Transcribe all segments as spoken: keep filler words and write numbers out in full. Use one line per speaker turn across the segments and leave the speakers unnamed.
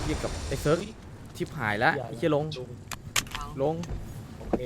เรียกกับไอ้เซิร์กชิบหายแล้วไอ้เชี่ยลงลง
โอเค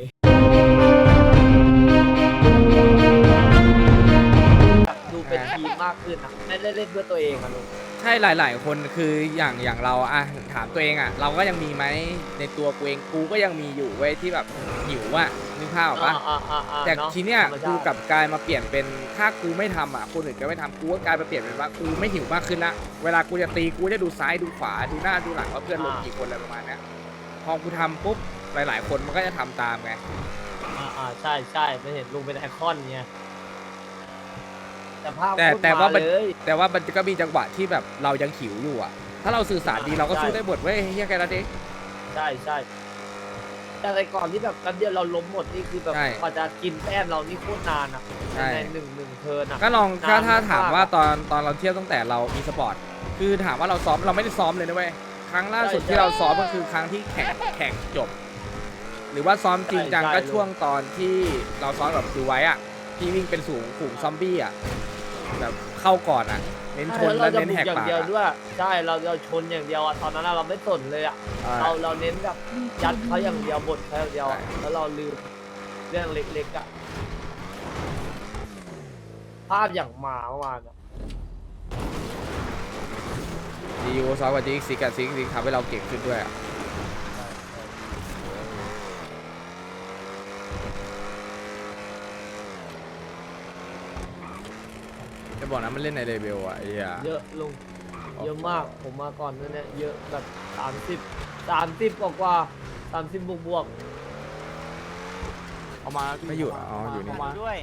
ดูเป็นทีมมากขึ้นนะไม่ได้เล่นเพื่อตัวเองอะลุง
ใช่หลายๆคนคืออย่างอย่างเราอะถามตัวเองอะเราก็ยังมีไหมในตัวกูเองกูก็ยังมีอยู่เว้ยที่แบบหิวอะนึกภาพออกปะแต่ทีเนี้ยกูกลับกลายมาเปลี่ยนเป็นถ้ากูไม่ทำอะคนอื่นก็ไม่ทำกูก็กลายมาเปลี่ยนเป็นว่ากูไม่หิวมากขึ้นละเวลากูจะตีกูจะดูซ้ายดูขวาดูหน้าดูหลังว่าเพื่อนลงกี่คนอะไรประมาณเนี้ยพอกูทำปุ๊บหลายๆคนมันก็จะทำตามไง
อ่าอ่าใช่ใช่ไม่เห็นลุงเป็นไอคอนไงแต่ภาพ
แต่แต่ว่ามัน
เลย
แต่ว่ามันก็มีจังหวะที่แบบเรายังหิวอยู่อะถ้าเราสื่อสารดีเราก็สู้ได้หมดเว้ยเฮียแกละเด็ก
ใช่ใช่แต่ในก่อนที่แบบกันเดียวเราล้มหมดนี่คือแบบกว่าจะกินแต้มเรานี่โคตรนานอ่ะในหนึ่งหนึ่งเทิร์นอ่ะ
ก็ลองถ้าถ้าถามว่าตอนตอนเราเที่ยวตั้งแต่เรามีสปอร์ตคือถามว่าเราซ้อมเราไม่ได้ซ้อมเลยนะเว้ยครั้งล่าสุดที่เราซ้อมก็คือครั้งที่แข่งแข่งจบหรือว่าซ้อมจริงจังก็ช่วงตอนที่เราซ้อมแบบดูไว้อ่ะที่วิ่งเป็นสูงฝูงซอมบี้อ่ะแบบเข้าก่อนอ่ะเน้นชนแล้วเน้นแหกปาก
อย่างเดียวด้วยใช่เราเราชนอย่างเดียวอ่ะตอนนั้นเราไม่สนเลยอ่ะเราเราเน้นแบบยัดเขาอย่างเดียวบทเขาอย่างเดียวแล้วเราลืมเรื่องเล็กๆอ่ะภาพอย่างมาเมื่อวานอ่ะ
ดีโอซ้อมกับจิกซิกกับซิกซิกทำให้เราเก่งขึ้นด้วยอ่ะจะบอกนะมันเล่นในเลเวลอ่ะไอ้เหี้ย
เยอะลุงเยอะมากผมมาก่อนนั่นเนี่ยเยอะแบบสามสิบสามสิบกว่ากว่าสามสิบบวกบวก
เอามา
ไม่อยู่อ๋ออยู่นี่
มาด้วย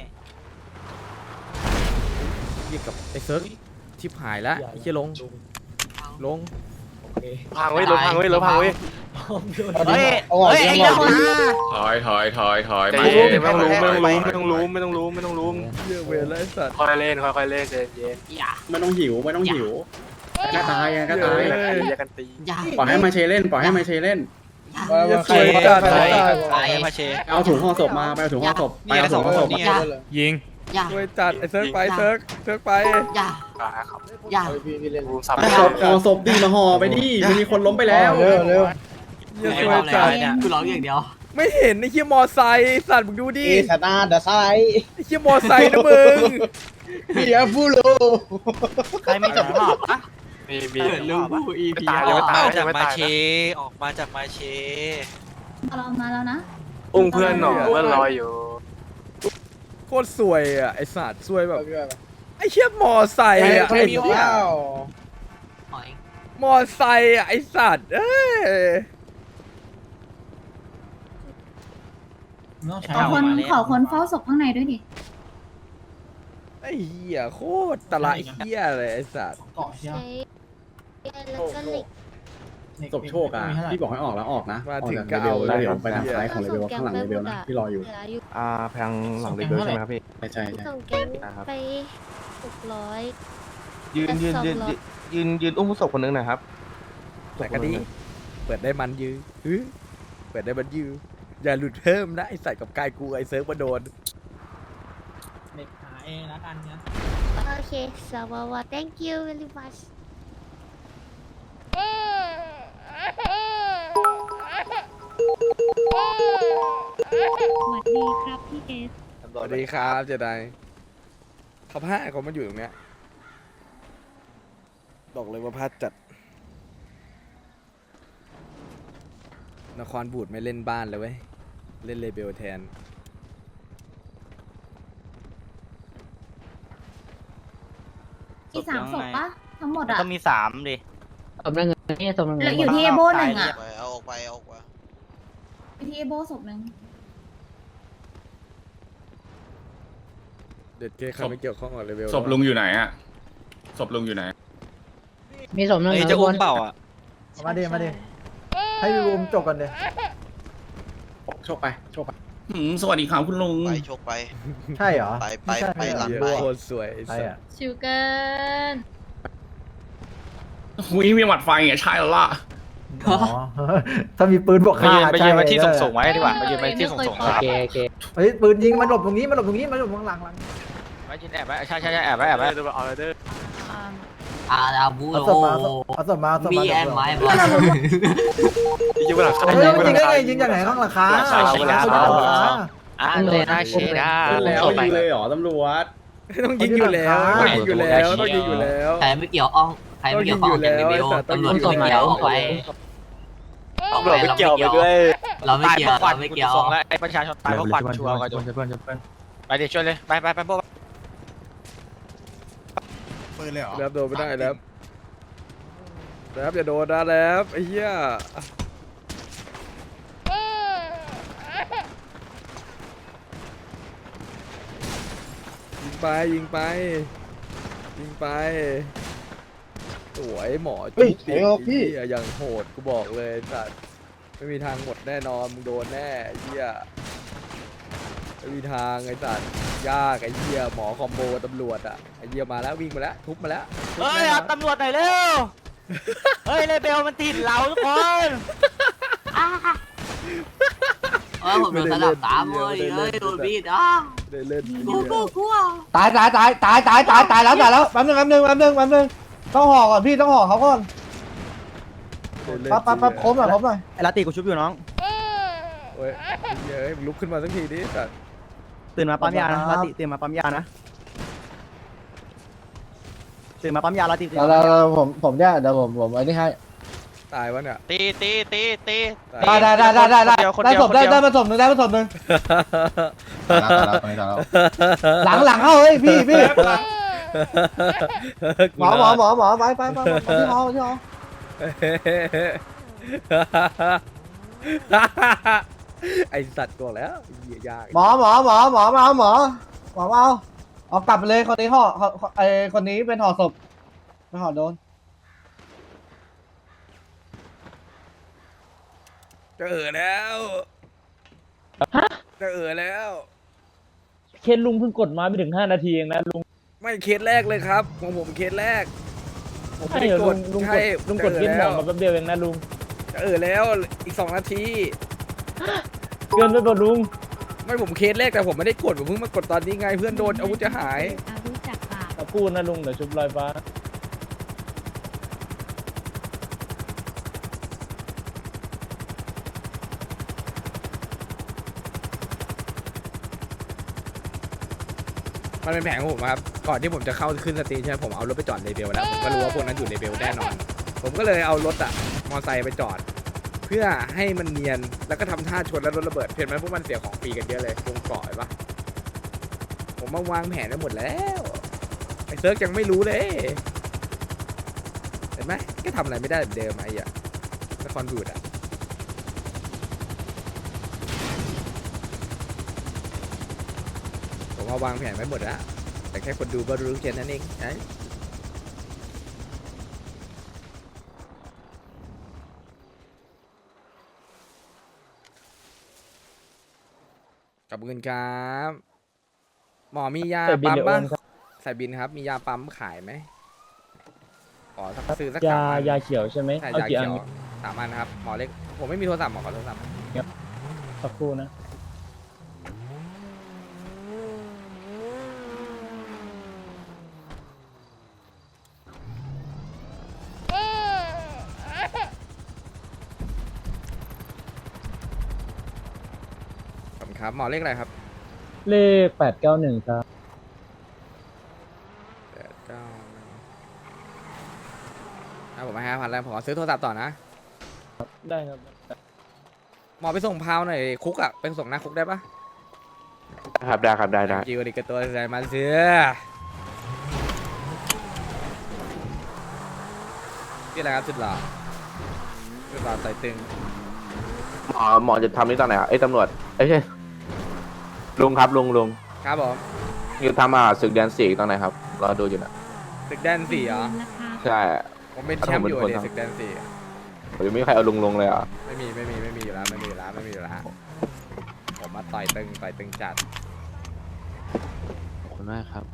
เรียกกับไอ้เซิร์กชิบหายแล้วไอ้เชี่ยลงลง
พังไว้รถพังไว้รถพังไว้
เฮ้ยเฮ้ยไอ้เจ้าหน้า
ถอยถอยถอยถอยมา
ไม่ต้องรู้ไม่ต้องรู้ไม่ต้องรู้ไม่ต้องรู้ไม่ต้องรู้
เรื่องเวรไอ้สัตว์
ค่อยเล่นค่อยๆเล่นเย็นเย็น
อย่า
ไม่ต้องหิวไม่ต้องหิวก็ตายก็ตาย
อย่ากันตี
อย่า
ปล่อยให้มาเชเล่นปล่อยให้มาเชเล่น
อย่าสวยจัด
ใคร
ไอ้สัตว์
ใครมาเช
เอาถุงห่อศพมาไปเอาถุงห่อศพไปเอาถุงห่อศพ
อย่า
ยิง
อย่า
สวยจัดไอ้เซิร์กไปเซิร์กเซิร์กไป
อย่า
ครับ
อย่า
รูมซับ
ห่อศพห่อศพดีมาห่อไปดิมันมีคนล้มไปแล้ว
เร็วเร็วอย่าสวยจัด
คือร้องอย่างเดียว
ไม่เห็นไอ้เชี่ยมอไซค์สัตว์มึงดูดิ
อีสตาร์ดไซ
ไอ้เชี่ยมอไซค์นะมึง
เบียฟูโล
ใครไม่จับภาพอะ
มีมี
เกิดลืมผู้อีพี
ตาย
อ
ยัง
อก
ไม่ตาย
มา
ยั
จาก
งไม่
มา
ตาย
เชออกมาจากมาเช
เรามาแล้วนะ
อุ้งเพื่อนหน่อยเพื่อนรออยู่
โคตรสวยอ่ะไอ้สัตว์สวยแบบไอ้เชี่ยมอไซค์อ่ะ
ใคร
ไอ้
มี
เหี้ย
ข้าว
หอย
มอไซค์อ่ะไอ้สัตว์เอ้ย
ขอคนขอคนเฝ้าศพข้างในด้วยดิ
ไอ้เหี้ยโคตรตะละเหี้ยเลยไอ้สัตว์
ใช้แล้วก็เหล็ก
ศพโชคอ่ะพี่บอกให้ออกแล้วออกนะ
มา
ออก
ถึง
จาก
ก็
เลเว
เอา
ล
เล
แล้ว
ย
เดี๋ยวไปทางซ้ายของเลเวลข้างหลังเลเวลนะพี่รออยู่
อ่าแพงหลังเด็กด้วยใช่ไหมครับพี่
ใช่ใช่ใช่
ส่งแก๊งไปหกร้อย
ยืนยืนยืนยืนยืนยืนอุ้มผู้ศพคนนึงหนะครับ
แต่ก็ดีเปิดได้มันยื้อฮึเปิดได้มันยื้ออย่าหลุดเพิ่มนะไอ้สัตว์กับกายกูไอ้เซิร์ฟมาโดน
เด็กหาเองแล้วกันเนี่ย
โอเคสวัสดี thank you very much
สวัสดีครับพี่เอส
สวัสดีครับเจไดเขาพลาดเขามาอยู่ตรงเนี้ยบอกเลยว่าพลาดจัดนครบูดไม่เล่นบ้านเลยเว้ยเล่นเลเบลแทน
อีสามศพปะทั้งหมดอ่ะ
ต้องมีสามดิ
สมนังเงินนี่สมนังเงิ
เหลื
น
ออยู่ที่เอโบหนึ่งอ่ะ
เอาออกไปเอาออกไป
อยู่ที่เอโบศพหนึ่ง
เด็ดเก้ใครไม่เกี่ยวข้องกับเลเวล
ศพลุงอยู่ไหนอะศพลุงอยู่ไหน
มีสมนัง
ไอ้
เงิน
จะอุ้มเปล่าอ่ะ
มาดิมาดิให้รูมจบกันเลย
โชคไปโชคไป
สวัสดีครับคุณลุง
ไปโชคไป
ใช่เหรอ
ไปไป
ม่ใช่
ไปหลัง
เหี้ย
บ้าน
โคตรสวยไอ้
ใช่
สั
อ่ะ
ส
ชิวเกิน
อุ้ยมีหมัดไฟไงใช่แล้วล่ะ
อ๋อ ถ้ามีปืนบวก
ไป
ฆ่า
ยืนไปยืนไปที่ส่งส่ง
ไว้
ไว้ดีกว่าไปยืนไปที่ส่งส่ง
โอ
ครับ
เคโอเค
เฮ้ยปืนยิงมันหลบตรงนี้มันหลบตรงนี้มันหลบข้างหลังหลัง
ไว้ยืนแอบไว้ใช่ใช่ใช่แอบไว้แอบไว้
เดี๋ยวเอาเลยเด้อ
อาอาบู
เอา
โอ
ศพมาเอาศพมาเอาศพ
มี
มา
แอนไม้บอล
ยิงบนหลังคา
เฮ้ยมันจริงได้ไงยิงจากไหนข้างหลังคา
อ่าเลยนะเชด้า
ขึ้นแล้วยิงเลยเหรอตำรวจ
ต้องยิงอยู่แล้วต้องยิงอยู่แล้วต้องยิงอยู่แล้ว
ใครไม่เกี่ยวอ้องใครไม่เกี่ยวข้องจากเรเบลตำรวจไม่เกี่ยวออกไป
ตำรวจไม่เกี่ยวไปด้วย
เราไม่เกี่ยวเราไม่เกี่ยว
ไอ้ประชาชนตายเพราะควันชัวร์กัน
เพื่อนเพื่อนเพื่อน
ไปเดี๋ยวช่วยเลยไปไปไปพวก
ปืนเลยเหรอ
แล้วโดนไม่ได้แล้วแล้วอย่าโดนนะแล้วไอ้เหี้ยยิงไปยิงไปยิงไปสวยหมอจุ๊บดิพี่อย่างโหดกูบอกเลยสัตว์ไม่มีทางหมดแน่นอนมึงโดนแน่ไอ้เหี้ยไม่มีทางไอ้สัตว์ยากไอ้เหี้ยหมอคอมโบตำรวจอ่ะไอ้เหี้ยมาแล้ววิ่งมาแล้วทุบมาแล้วทุบ
เฮ้ย
แน่น
เอา
อน
ตำรวจหน่อยเร็วเฮ้ยเรเบลมันติดเราทุกคนเออผมโดนสลับตามเลยเฮ้ยโดนบีดอ่ะ
ได้เล่น
กูกูกู
ตายตายตายตายตายตายตายแล้วตายแล้วแป๊บนึงแป๊บนึงแป๊บนึงแป๊บนึงต้องห่อก่อนพี่ต้องห่อเขาก่อนปั๊บปั๊บปั๊บคมหน่อยคมหน่อย
ไอ้ลาตีกูชุบอยู่น้อง
โอ้ยเฮ้ยลุกขึ้นมาสักทีดิสัตว์
ตื่นมาปั๊มยานะลาตีตื่นมาปั๊มยานะตื่นมาปั๊มยาลาตี
แล้วแล้วผมผมเนี่ยเดี๋ยวผมผมไอ้นี่ให้
ตายวะเนี่ย
ตีตีตีตี
ตาย
ได้ได้ได้ได้ได้ได้ศพได้ได้มาศพหนึ่งได้มาศพหนึ่งหลังหลังเข้าเฮ้ยพี่พี่หมอหมอหมอหมอไปไปไปที่หอที่หอ
ไอสัตว์ตัวแล้วเหี้ยยาก
หมอหมอหมอหมอมาเอาหมอหมอมาเอาเอากลับไปเลยคนนี้ห่อไอคนนี้เป็นห่อศพไม่ห่อโดน
จะเออแล้วจะเออแล้ว
เคนลุงเพิ่งกดมาไม่ถึงห้านาทีเองนะลุง
ไม่เคสแรกเลยครับของผมเคสแรกผมไม่
ใช่
ได้
เหรอก ลุ
ด
งลุงก
ใช่
ดลุงกด
จะ
เคนหม
แล้
อ
ว
มาแป๊บเดียวเองนะลุง
จะเออแล้วอีกสองนาที
เกินไปป่ะลุง
ไม่ผมเคสแรกแต่ผมไม่ได้กดผมเพิ่งมากดตอนนี้ไงเพื่อนโดนอาวุธจะหาย
อารู้จักปาก
ตะปูนะลุงเดี๋ยวชุบลอยฟ้า
มันเป็นแผนของผมครับก่อนที่ผมจะเข้าขึ้นสตรีมใช่ไหมผมเอารถไปจอดเลเบลแล้วผมก็รู้ว่าพวกนั้นอยู่เลเบลแน่นอน ผมก็เลยเอารถอะมอไซค์ไปจอด เพื่อให้มันเนียนแล้วก็ทำท่าชนแล้วรถระเบิดเห็นไหมพวกมันเสียของฟรีกันเยอะเลยวงเกาะเห็นปะผมมาวางแผนไว้หมดแล้วไอ้เซิร์กยังไม่รู้เลยเห็นไหมก็ทำอะไรไม่ได้เหมือนเดิมไอ้อะละครบูดอะผมมาวางแผนไว้หมดแล้วแต่แค่คนดูก็รู้แค่นั้นเองไอ้ขอบคุณครับหมอมียาปั๊มบ้างใส่บินครับมียาปั๊มขายไหมขอสักซื้อสัก
ยา
สามอัน
ยาเขียวใช่ไหม
ใช่
เอา
ยา
กี่
เขี
อัน
ยวสามอันครับหมอเล็กผมไม่มีโทรศัพท์หมอขอโทรศัพท์
สักครู่นะ
ขอบคุณครับหมอเลขอะไรครับ
เลขแปดเก้าหนึ่งครับ
แปดเก้าถ้าผมมาห้าพันแล้วผมขอซื้อโทรศัพท์ต่อนะ
ได้ครับ
หมอไปส่งพาวหน่อยคุกอะไปส่งหน้าคุกได้ปะ
ครับได้ครับได้ได้
จิวดิกตัวใจมาเสือที่อะไรครับสุดหล่อสุดหล่อใส่ตึง
หมอหมอจะทำนี่ตอนไหนอ่ะไอ้ตำรวจเอ้ยใช่ลุงครับลุงลุง
ครับผม
อยู่ทำอ่ะศึกแดนสี่ตอนไหนครับรอดูอยู่นะ
ตึกแดนสี่เหรอ
ใช่
ผมเป็นแชมป์อยู่ในตึกแดนสี่
ผมยังไม่มีใครเอาลุงลงเลยอ่ะ
ไม่มีไม่มีไม่มีอยู่แล้วไม่มีอยู่แล้วไม่มีอยู่แล้วผมมาต่อยตึงต่อยตึงจัด
ขอบคุณมากครับ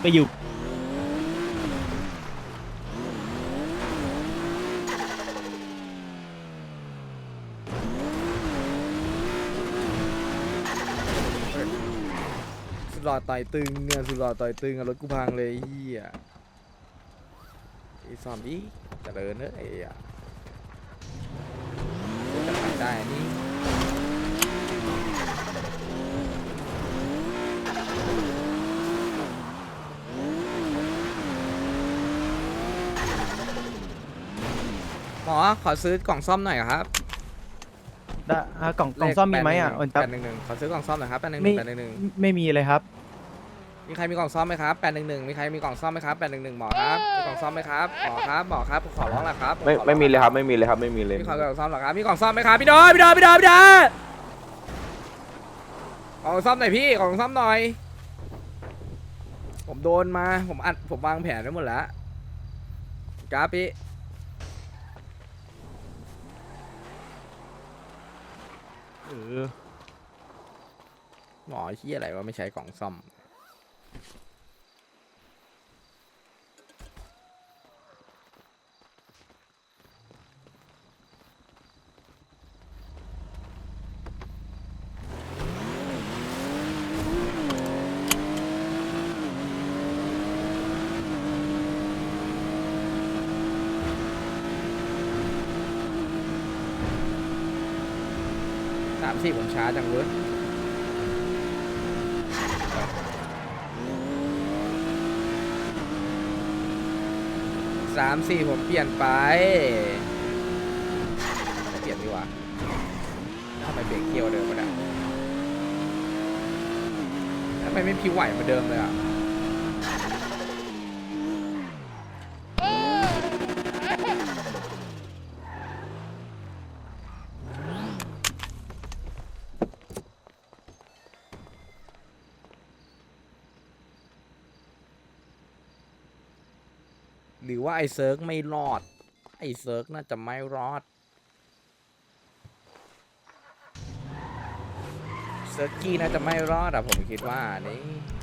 ไปอยู่
สุดหล่อต่อยตึงเนี่ยสุดหล่อต่อยตึงอะรถกูพังเลยไอ้เฮียไอ้ซอมบี้เจริญเนอะไอ้อะจะไปได้นี่ หมอขอซื้อกล่องซ่อมหน่อยครับ
ได้อ่ะกล่องกล่องซ่อมมีไหมอ่ะโอน
แป
ครับ
ดหนึ่งหนึ่งขอซื้อกล่องซ่อมหน่อยครับแปดหนึ่งห
ไม่
นึ่งแปดหนึ่งหนึ่ง
ไม่มีเลยครับ
มีใครมีกล่องซ่อมไหมครับแปดหนึ่งหนึ่งมีใครมีกล่องซ่อมไหมครับแปดหนึ่งหนึ่งหมอครับมีกล่องซ่อมไหมครับหมอครับหมอครับขอร้องแหละครับ
ไม่ไม่มีเลยครับไม่มีเลยครับไม่มีเลย
มีกล่องซ่อมหรอครับมีกล่องซ่อมไหมครับพี่ดอยพี่ดอยพี่ดอยพี่ดอยกล่องซ่อมหน่อยพี่กล่องซ่อมหน่อยผมโดนมาผมอัดผมวางแผนไว้หมดแล้วกราฟพี่เออหมอเฮียอะไรวะไม่ใช้กล่องซ่อมสามสี่ผมช้าจังเว้ยสามสี่ผมเปลี่ยนไปเปลี่ยนดีกว่าทำไมเบรกเกียวเดิมมาได้ทำไมไม่พิวไหวเหมือนเดิมเลยอ่ะหรือว่าไอ้เซิร์กไม่รอดไอ้เซิร์กน่าจะไม่รอดเซิร์กกี้น่าจะไม่รอดอะผมคิดว่านี่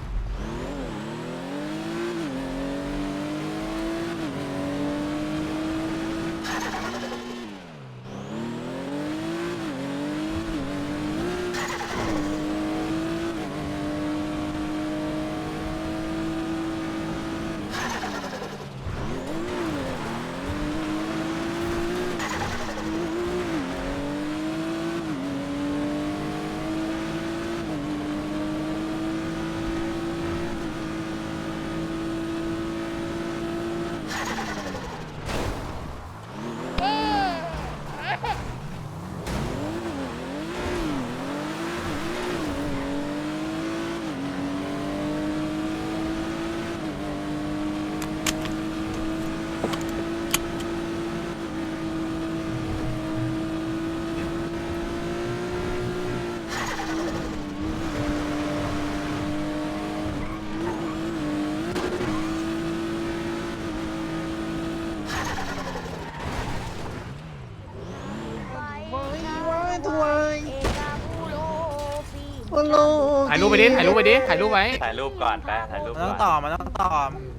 ถ่ายรูปไปดิถ่ายรูปไปดิถ่ายรูปไว้
ถ่ายรูปก่อนไปถ่ายรูปก่อน
ต้องต่อมันต้องต่อ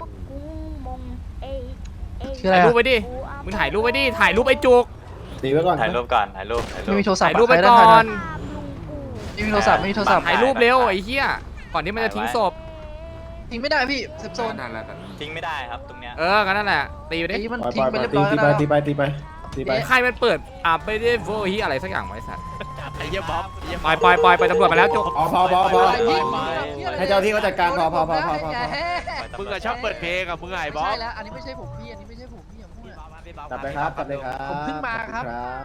ชื่ออะไร
ถ่ายรูป
อะ
ไปดิมึงถ่ายรูปไปดิถ่ายรูปไอ้จุก
ตีไว้ก่อน
ถ่ายรูปก่อนถ่ายรูปถ่ายรูป
ไม่มีโทรศัพ
ถ่าย
ท์
รูปไปก่อน
ไม่มีโทรศัพท์ไม่มีโทรศัพท์
ถ่ายรูปเร็วไอ้เหี้ยก่อนที่มันจะทิ้งศพ
ทิ้งไม่ได้พี่เซฟโซน
ทิ้งไม่ได้ครับตรงเนี้ย
เออกันนั่นแหละตีไปดิ
ไอ้มัน
ปล่อย
ทิ้งไป
ปล่อย
เรียบ
ตี
ร้อย
ตี
แล้ว
ไปตีไปตีไปตีไป
ใครมันเปิดอ่ะไปได้โวฮีอะไรสักอย่างไว้สัตว์
ไอ้เหี้ยบ๊อบ
ปล่อยปล่อยปล่อยไปตำรวจมาแล้วจุก
พอพอพอพอ
ไปไป
ให้เจ้าที่เขาจัดการพอพอพอพอพอ
มึงอะชอบเปิดเพลงอะมึงไงบ๊อบ
แล้วอันนี้ไม่ใช่ผมพี่อันนี้ไม่ใช่ผมพี่อย่าพูด
จับเลยครับจับเลยครับ
ผมเพิ่งมาครับ
ครับ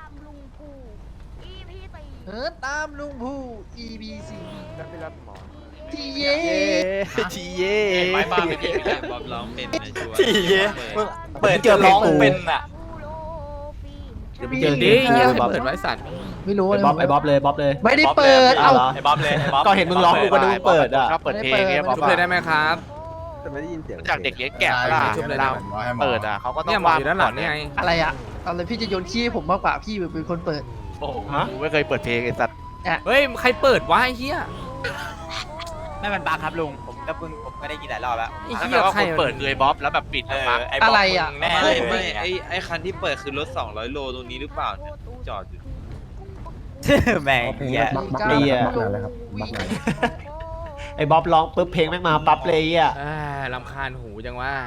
เฮิร์ตตามลุงผู้ อี บี ซี ทีเย่
ทีเย่
ไม้บ้าเป็นยังไงบ๊อบร้องเป็นชัวร์
ทีเย่เปิดจะร้องเป็นอะ
เดี๋ยวไปเจอดิเหี้ยใครเปิดไว้สัตว์
ไม่รู้
ไอ้บ๊อบไอ้บ๊อบเลยบ๊อบเลย
ไม่ได้เปิด
เอา
เอา
ไอ้บ๊อบเลยไอ้บ๊อบ
ก็เห็นมึงร้องกูก็ดูเปิดอ่ะ
ชอบเปิดเพลงเนี่ยบ๊อบ
ชุบเลยได้ไหมครับ
จากเด็กเลี้ยงแกะล่ะ
ชุบเลย
เว
ได้
ลา
ไหม
เปิดอะเขาก็ต้อ
เนี่ย
ง
หมอ
วาง
อยู่ด้านหลังนี่ไง
อะไรอะอะไรพี่จะโยนขี้ให้ผมมากกว่าพี่เป็นคนเปิด
โอ้โหกูไม่เคยเปิดเพลงไอ้สัตว์
เฮ้ยใครเปิดวะไอ้เหี้ย
ไไม่มันบักครับลุงผมก็เพิ่งผมก็ได้ยินหลายรอบแล้ว
ไอ้
ถ้า
เหี้
เกิ
ย
ดว่า
ใคร
คุณเปิดเลยบ๊อบแล้วแบบปิดมันปั๊บ
ไอ้อะไรอ่ะ
แน่
ไม่
เลย
ไม่
ไม่ไอไอคันที่เปิดคือรถสองร้อยโลตรงนี้หรือเปล่าเนี่ยจอดอยู่
แม่งเหี้ย
บักบักเลยอ่ะไอ้บ๊อบร้องปุ๊บเพลงแม่งมาปั๊บเลยอ่ะ
เอ้ยรำคาญหูจังว่า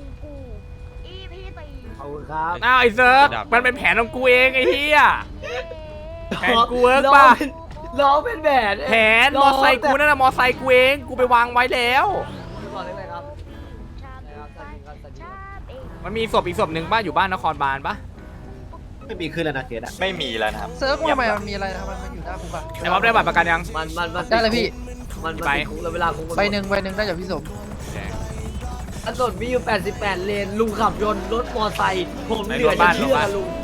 ขอบคุณครับ
อ้าวไอ้เซิร์ฟมันเป็นแผนของกูเองไอ้เหี้ยแผนกูเวิร์กป่ะ
ล้อเป็นแผน
แผนมอไซค์กูนั่นน่ะมอไซค์กูเองกูไปวางไว้แล้ว
ก่อนเลยครับนะครับสวัสดีครับสวัสดีครับ
มันมีศพอีกศพหนึ่งบ้านอยู่บ้านนครบาลปะ
ไม่มีขึ้นแล้วนะเกดอ่ะ
ไม่มีแล้วนะครับ
เซิร์ฟทำไมมันมีอะไรทำไมมันอยู่หน้าคุกอะ
ไอ้บ๊อบได้บัตรประกันยัง
มันมันมัน
ได้เลยพี่
มันมัน
ไป
ติดคุกแล้วเวลาคุกมัน
ใบหนึ่งใบหนึ่งได้จากพี่สม
ถนนมีอยู่แปดสิบแปดเลนลุงขับยนต์รถมอไซค์ผมเหลือจะเชื่อลุง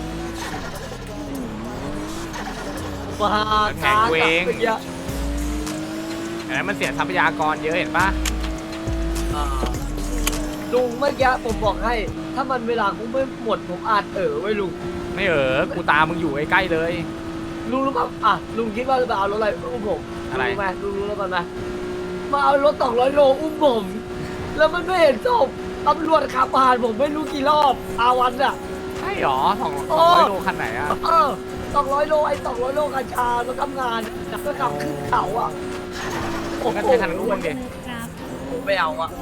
บ้า
แผนกูเอง
มื่กี้
อันนั้นมันเสียทรัพยากรเยอะเห็นปะ
อ่าลุงเมื่อกี้ผมบอกให้ ถ้ามันเวลาคุกไม่หมดผมอาจเออไว้ลุง
ไม่เออกูตามมึงอยู่ใกล้ๆเลย
ลุงรู้ป่ะอ่ะลุงคิดว่าจะเอารถอะไรอุ้มผม
อะไร
รู้ไหมลุงรู้แล้วมันไหมมาเอารถสองร้อยโลอุ้มผม แล้วมันไม่เห็นศพตำรวจขับผ่านผมไม่รู้กี่รอบอาวันอ่ะ
ใช่หรอสอง
โอ้
ร้อยโลคันไหนอะ
เออสองร้อยโลไอ้สองร้อยโลกัญชามาทำงานแล้วก็ขับขึ้นเขาอ่ะโอ้
งั้น
โห
ใช้คันนั้นอุ้มดิ
ครับ
ผมไม่เอาอ่ะ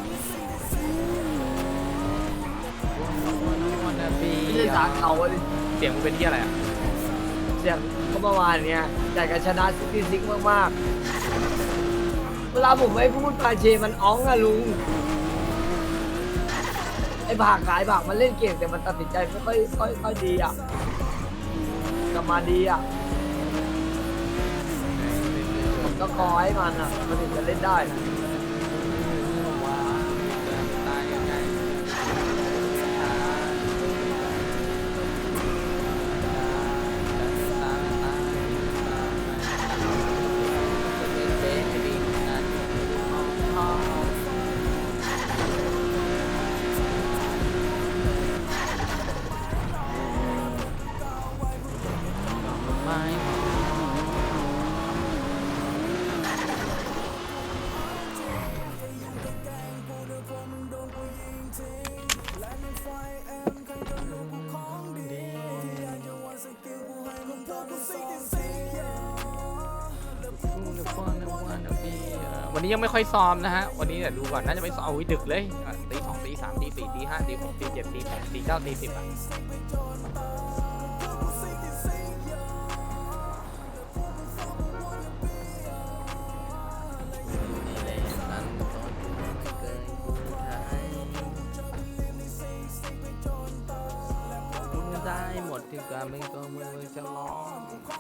ไม่ใช่สาเขาอะดิ
เสียงมึงเป็นที่อะไรอะ
เสียงก็เมื่อวานเนี้ยอยากจะชนะซิตี้ซิกมากๆเวลาผมไม่พูดปาเชมันอ้องอะลุงไอ้ผากขายผากมันเล่นเก่งแต่มันตัดสินใจไม่ค่อยค่อยค่อยดีอ่ะกลับมาดีอ่ะผมก็คอยให้มันอ่ะมันถึงจะเล่นได้
วันนี้ยังไม่ค่อยซ้อมนะฮะวันนี้เดี๋ยวดูก่อนน่าจะไม่ซ้อมอุ้ยดึกเลยตีสองตีสามตีสี่ตีห้าตีหกตีเจ็ดตีแปดตีเก้าตีสิบอะได้หมดถึงการไม่ก็มือจะร้อง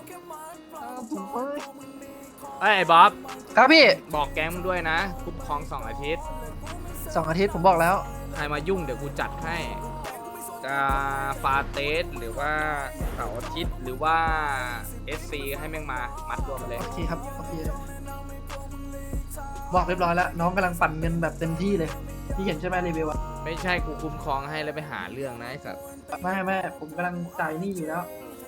เอ้ยไอ้บ๊อบ
ครับพี่
บอกแก๊งมึงด้วยนะคุ้มครองสองอาทิตย์
สองอาทิตย์ผมบอกแล้ว
ใครมายุ่งเดี๋ยวกูจัดให้จะฟาเตสหรือว่าเสาร์อาทิตย์หรือว่า เอส ซี ให้แม่งมามัดรวมมาเลย
โอเคครับโอเคบอกเรียบร้อยแล้ว น้องกำลังปั่นเงินแบบเต็มที่เลยพี่เห็นใช่ไหมรีวิวอะ
ไม่ใช่กูคุ้มครองให้แล้วไปหาเรื่องนะไอ้สัตว์
ไม่ไม่ผมกำลังจ่ายหนี้อยู่แล้ว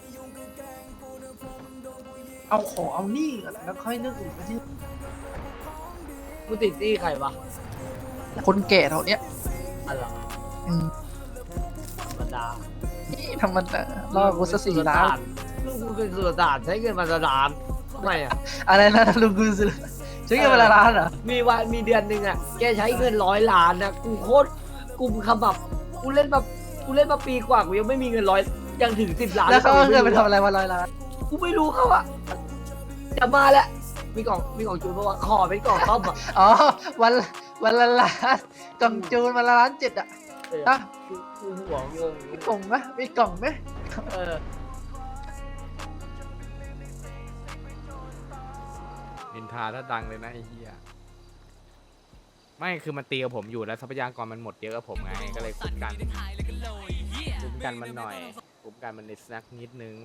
เอาขอเอาหนี้ก่อนแล้วค่อยเรื่องอื่นไปที่
กูติดที่ใครวะ
คนแก่เท่าเนี้ย
อะไร
อืม
ธรรมดา
นี่ธรรมดาล่อกูสักสี่ล้าน
ลูกกูเป็นสุลต่านใช้เงินมาสุลต่านทำไมอ่ะ
อะไรนะลุงกูซื้อใช้เงินเวลาล้านเหรอ
มีวันมีเดือนหนึ่งอ่ะแกใช้เงินร้อยล้านนะกูโคตรกูขมับกูเล่นมากูเล่นมาปีกว่ากูยังไม่มีเงินร้อยยังถึงสิบล้าน
แล้วเขาเอาเงินไปทำอะไรวันร้อยล้าน
กูไม่รู้เขาอ่ะจะมาแล้วมีกล่องมีกล่องจูนเพราะว่าขอเป็นกล่องซ่อมอ่ะ
อ๋อวันวันละล้านกล่องจูนวันละล้านเจ็ดอ่ะ
เออ
อ่ะ
กูกูหัวงง
มีกล่องไหมมีกล่องไหม
เออ
นินทาถ้าดังเลยนะไอ้เหี้ยไม่คือมันตีกับผมอยู่แล้วทรัพยากรมันหมดเยอะกับผมไงก็เลยคุ้มกันคุ้มกันมันหน่อยคุ้มกันมันในสักนิดนึง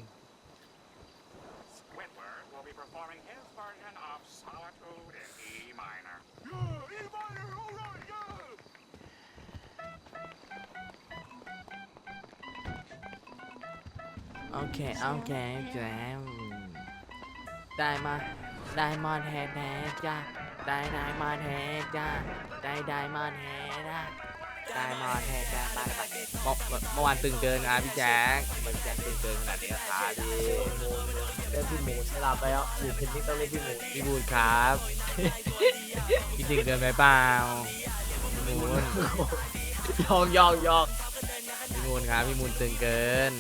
โอเค โอเคแจมได้มา ได้มอนแท้ๆจ้าได้ได้มาแทกจ้าได้ได้มาแทกจ้าได้มาแทกจ้าไปไปเมื่อเมื่อวานตึงเกินครับพี่แจ๊คมันแจ๊คตึงเกินขนาดนี้ครับพี่
เล่นพี่หมูเวลาไปอ่ะอยู่เพนนี่ต้องเล่นพี่หมู
พี่บูนครับพี่ตึงเกินไปเปล่าพี่มูน
ยองยองยอง
พี่มูนครับพี่มูนตึงเกิน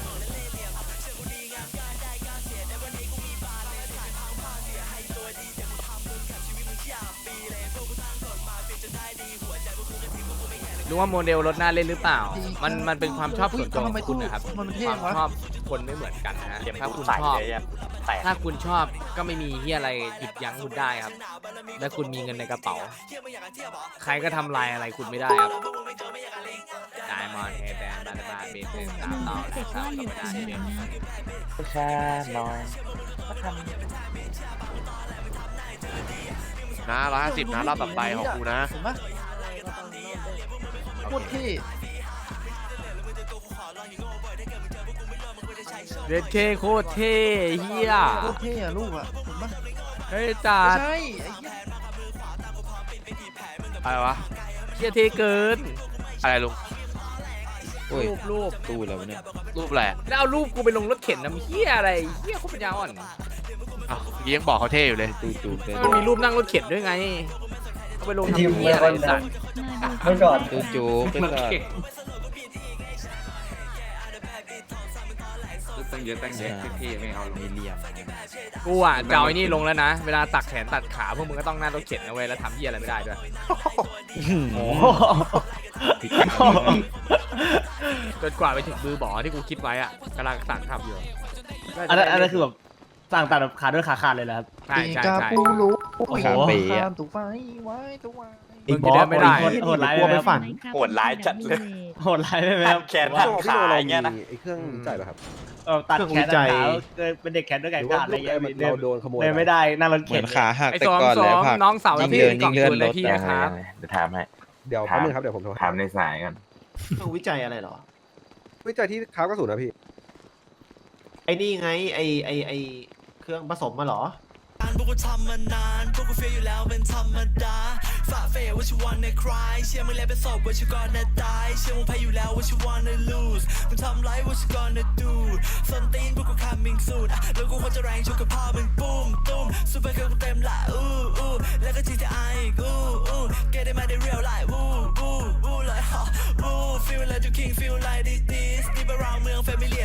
รู้ว่าโมเดลรถหน้าเล่นหรือเปล่า มันมันเป็นความชอบส่วนตัวของคุณนะครับ
มัน
ค
เท่
วาม
วะ
ชอบคนไม่เหมือนกันนะฮะถ้าคุณชอบ ถ้าคุณชอบก็ไม่มีที่อะไรหยุดยั้งคุณได้ครับ และคุณมีเงินในกระเป๋า ใครก็ทำลายอะไรคุณไม่ได้ครับไดมอนด์เฮดแบนบาร์บาร์เบสเป็นสามต่อและสามธรรมดาเดียว
แค่น้อย
นะร้อยห้าสิบนะรอบต่อไปของกูนะ
เห็นปะโคตรเท่
เรดเคโคตรเท่เฮีย
โคตรเท่อะลูกอะเห็นปะ
เฮ้ยจั
ไม่
ด
ใช่ไอ้เหี้ย
อะไรวะ
เฮียเท่เกิน
อะไรลุง
รูปรูป
ตู้แล้วเนี่ย
รูปอะไรอะ
แล้วเอารูปกูไปลงรถเข็นน้ำเฮียอะไรเฮียเขาเป็นยาอ่อน
อ้าวเมื่อกี้ยังบอกเขาเท่อยู่เลย
ตู้จูเป็น
มันมีรูปนั่งรถเข็นด้วยไงเอาไปลงทำเฮียอะไรไอ้สัตว์
มาดู
ตู้จูเป็นก็ตั้งเยอะตั้งแยะเท่ๆไม่เอามีเหลี่ยม
กูอ่ะจะเอาไอ้นี่ลงแล้วนะ เวลาตักแขนตัดขาพวกมึงก็ต้องนั่งรถเข็นนะเว้ยแล้วทำเฮียอะไรไม่ได้ด้วย
โอ้
จนกว่าไปถึงมือบ่อที่กูคิดไว้อะกำลังสั่งทำอยู่
อันนั้นอันนั้นคือแบบสั่งตัดแบบขาด้วยขาขาดเลยเหรอครับ
ใช่ใช่
กา
ใช่
ปูรู้
โอ้โห
ข้ามตู้ไฟไว้ตู้ไว้
มึงจะเดินไม่ได้
โหดร้ายไหมครับ
โหดร้ายจัดเลย
โหดร้ายไหมครับ
แขนหักขาอย่างเงี้ยนะ
ไอ้เครื่องจ่ายป่ะครับ
เออตัดแขนตัดขาเกิดเป็นเด็กแขนด้วยแขนขาดอะไรเงี้ย
หรือว่าเราโดนขโมย
เดินไม่ได้นั่งรถ
เหมื
เข็
อน นขาหัก
ไอ้
แต่
สอง
ก่อน
สอ
แล้ว
ง
ผัก
น้องเสาว
ยิ่ง
พี่
เดิน
กล่
ยิ่
อง
งเลื่อ
คื
น
นเล
ร
ย
ถ
พี่นะครับ
เดี๋ยวแป๊บนึงครับเดี๋ยวผมโทร
ถามในสายกัน
ต้องวิจัยอะไรเหรอ
วิจัยที่ค้ากระสุนนะพี่
ไอ้นี่ไงไอ้ไอ้ไอ้เครื่องผสมมาเหรอ
พวกกูทำมานานพวกกูเฟียอยู่แล้วเป็นธรรมดาฝ่าเฟยว่าชิวันในคลายเชื่อมึงแล้วเป็นศพว่าชิวก่อนจะตายเชื่อมึงแพ้อยู่แล้วว่าชิวันใน lose มึงทำไรว่าชิก่อนจะ do ส้นตีนพวกกู coming soon แล้วกูควรจะแรงชกกับพ่อมึงปุ้มตุ้มซูเปอร์เกิร์ลกูเต็มละอู้อู้แล้วก็ จี ที ไอ อีกอู้อู้ get it มาได้ real life อู้อู้อู้เลยฮะอู้ feel like you king feel like this this deep around เมือง family